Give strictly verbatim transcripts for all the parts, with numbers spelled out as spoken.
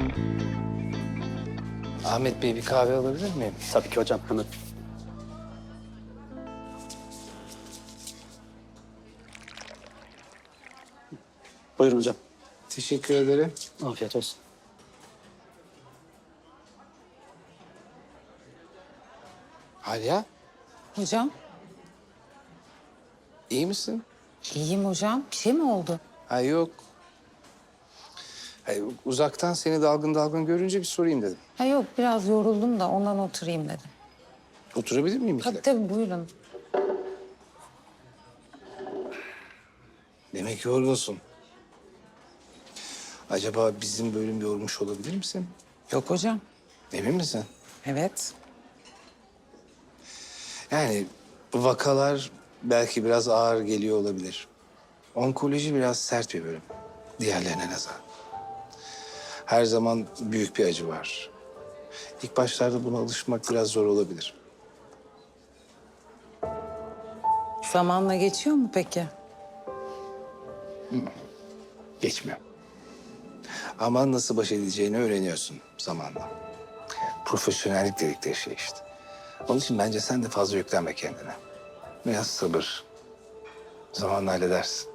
Ahmet Bey, bir kahve alabilir miyim? Tabii ki hocam, hemen. Buyurun hocam. Teşekkür ederim. Afiyet olsun. Alya, Hocam, iyi misin? iyiyim hocam. Bir şey mi oldu? Ha yok. Hayır, uzaktan seni dalgın dalgın görünce bir sorayım dedim. Ha yok, biraz yoruldum da ondan oturayım dedim. Oturabilir miyim iki Tabii dakika? tabii, buyurun. Demek yorgunsun. Acaba bizim bölüm yormuş olabilir misin? Yok hocam. Emin misin? Evet. Yani bu vakalar belki biraz ağır geliyor olabilir. Onkoloji biraz sert bir bölüm. Diğerlerine nazaran. Her zaman büyük bir acı var. İlk başlarda buna alışmak biraz zor olabilir. Zamanla geçiyor mu peki? Geçmiyor. Ama nasıl baş edeceğini öğreniyorsun zamanla. Profesyonellik dedikleri şey işte. Onun için bence sen de fazla yüklenme kendine. Biraz sabır. Zamanla halledersin.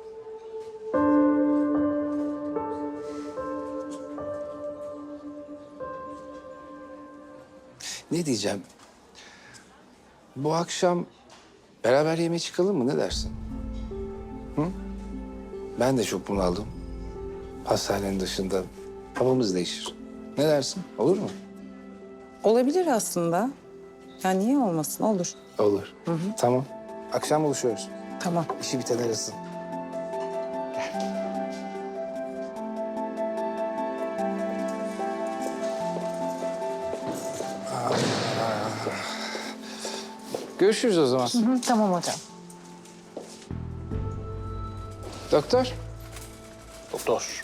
Ne diyeceğim? Bu akşam beraber yemeğe çıkalım mı? Ne dersin? Hı? Ben de çok bunaldım. Hastanenin dışında havamız değişir. Ne dersin? Olur mu? Olabilir aslında. Ya niye olmasın? Olur. Olur. Tamam. Akşam buluşuyoruz. Tamam. İşi biten arasın. Görüşürüz o zaman. Hı, tamam hocam. Doktor. Doktor.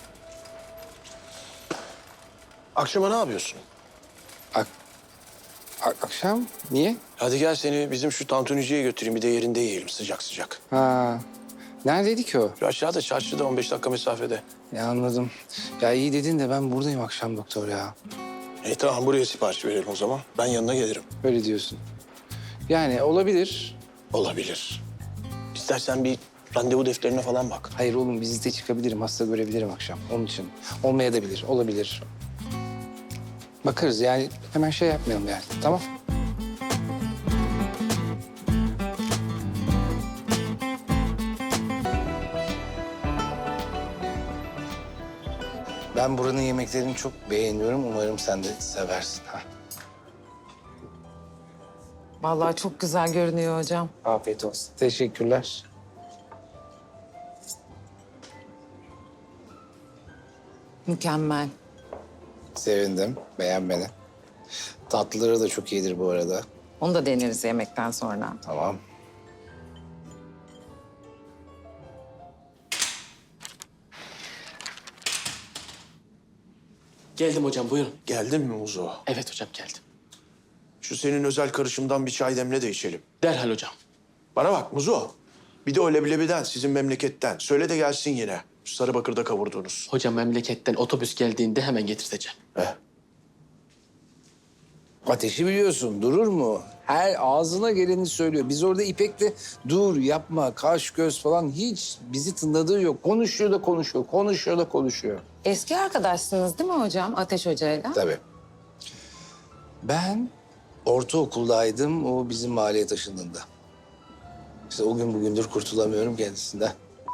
Akşama ne yapıyorsun? Ak ak- akşam? Niye? Hadi gel seni bizim şu tantuniciye götüreyim. Bir de yerinde yiyelim sıcak sıcak. Ha. Neredeydi ki o? Şu aşağıda çarşıda on beş dakika mesafede. Ya anladım. Ya iyi dedin de ben buradayım akşam doktor ya. E tamam buraya sipariş verelim o zaman. Ben yanına gelirim. Öyle diyorsun. Yani olabilir. Olabilir. İstersen bir randevu defterine falan bak. Hayır oğlum vizite çıkabilirim, hasta görebilirim akşam. Onun için. Olmayabilir, olabilir. Bakarız yani hemen şey yapmayalım yani. Tamam. Ben buranın yemeklerini çok beğeniyorum. Umarım sen de seversin. Ha. Vallahi çok güzel görünüyor hocam. Afiyet olsun. Teşekkürler. Mükemmel. Sevindim. Beğen beni. Tatlıları da çok iyidir bu arada. Onu da deneriz yemekten sonra. Tamam. Geldim hocam, buyurun. Geldin mi Muzo? Evet hocam, geldim. Şu senin özel karışımdan bir çay demle de içelim. Derhal hocam. Bana bak Muzo. Bir de o leblebiden sizin memleketten. Söyle de gelsin yine. Şu Sarıbakır'da kavurduğunuz. Hocam memleketten otobüs geldiğinde hemen getirteceğim. He. Ateşi biliyorsun, durur mu? Her ağzına geleni söylüyor. Biz orada İpek'le dur, yapma, kaş, göz falan hiç bizi tınladığı yok. Konuşuyor da konuşuyor, konuşuyor da konuşuyor. Eski arkadaşsınız değil mi hocam Ateş Hoca'yla? Tabii. Ben ortaokuldaydım, o bizim mahalleye taşındığında. İşte o gün bugündür kurtulamıyorum kendisinden.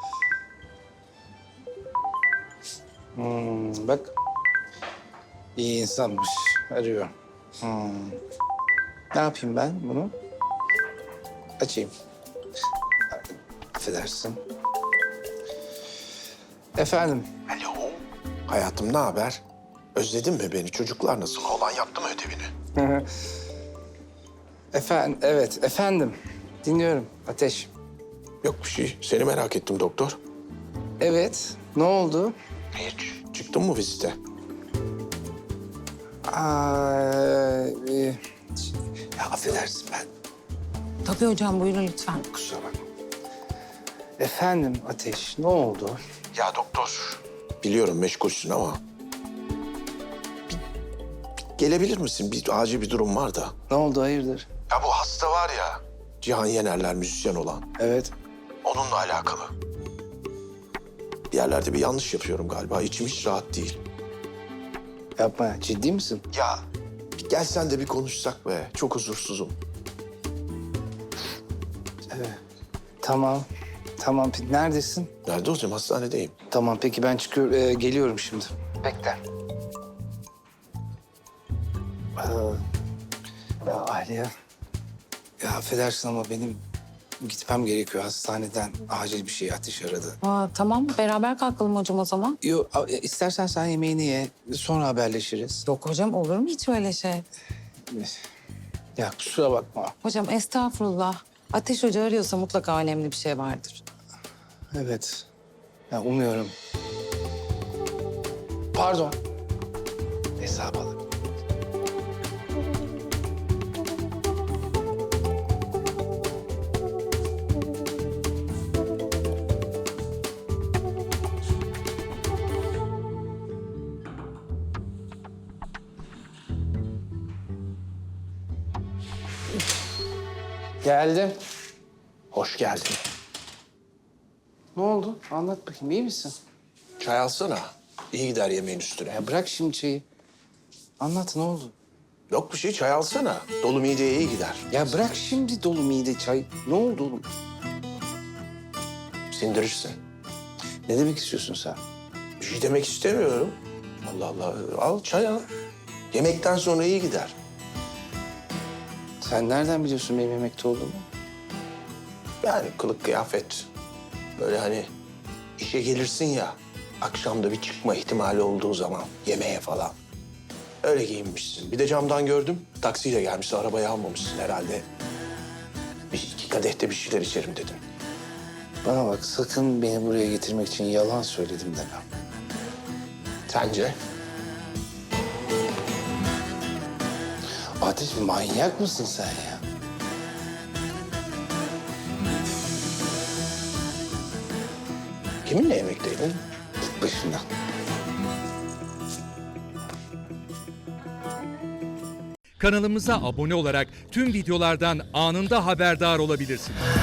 Hmm, bak, iyi insanmış, arıyor. Hmm. Ne yapayım ben bunu? Açayım. Affedersin. Efendim? Alo. Hayatım ne haber? Özledin mi beni? Çocuklar nasıl? Oğlan yaptı mı ödevini? Efendim, evet efendim. Dinliyorum Ateş. Yok bir şey. Seni merak ettim doktor. Evet, ne oldu? Hiç. Çıktın mı vizite? Aa, e, ya affedersin ben. Tabii hocam, buyurun lütfen. Kusura bakma. Efendim Ateş, ne oldu? Ya doktor. Biliyorum meşgulsün ama gelebilir misin? Bir acil bir durum var da. Ne oldu, hayırdır? Ya bu hasta var ya, Cihan Yenerler müzisyen olan. Evet. Onunla alakalı. Bir yerlerde bir yanlış yapıyorum galiba. İçim hiç rahat değil. Yapma, ciddi misin? Ya bir gelsen de bir konuşsak be. Çok huzursuzum. Tamam. Tamam, pe- neredesin? Nerede olacağım? Hastanedeyim. Tamam, peki ben çıkıyorum, e, geliyorum şimdi. Bekle. Ee, ya Aliye, ya affedersin ama benim gitmem gerekiyor hastaneden. Acil bir şey, Ateş aradı. Aa, tamam beraber kalkalım hocam o zaman. Yok, a- istersen sen yemeğini ye, sonra haberleşiriz. Yok hocam olur mu hiç öyle şey? Ya kusura bakma. Hocam estağfurullah. Ateş Hoca arıyorsa mutlaka önemli bir şey vardır. Evet. Ya umuyorum. Pardon. Hesap alın. Geldim. Hoş geldin. Ne oldu? Anlat bakayım. İyi misin? Çay alsana. İyi gider yemeğin üstüne. Ya bırak şimdi çayı. Anlat, ne oldu? Yok bir şey, çay alsana. Dolu mideye iyi gider. Ya bırak şimdi dolu mide çay. Ne oldu oğlum? Sindirirsin. Ne demek istiyorsun sen? Bir şey demek istemiyorum. Allah Allah. Al çay al. Yemekten sonra iyi gider. Sen nereden biliyorsun benim yemekte olduğumu? Yani kılık kıyafet. Böyle hani işe gelirsin ya. Akşamda bir çıkma ihtimali olduğu zaman yemeğe falan. Öyle giyinmişsin. Bir de camdan gördüm. Taksiyle gelmişsin. Arabayı almamışsın herhalde. Bir iki kadehte bir şeyler içerim dedim. Bana bak, sakın beni buraya getirmek için yalan söyledim deme. Sence? Ateş, manyak mısın sen ya? Kiminle yemekteydin? Git başımdan. Kanalımıza abone olarak tüm videolardan anında haberdar olabilirsiniz.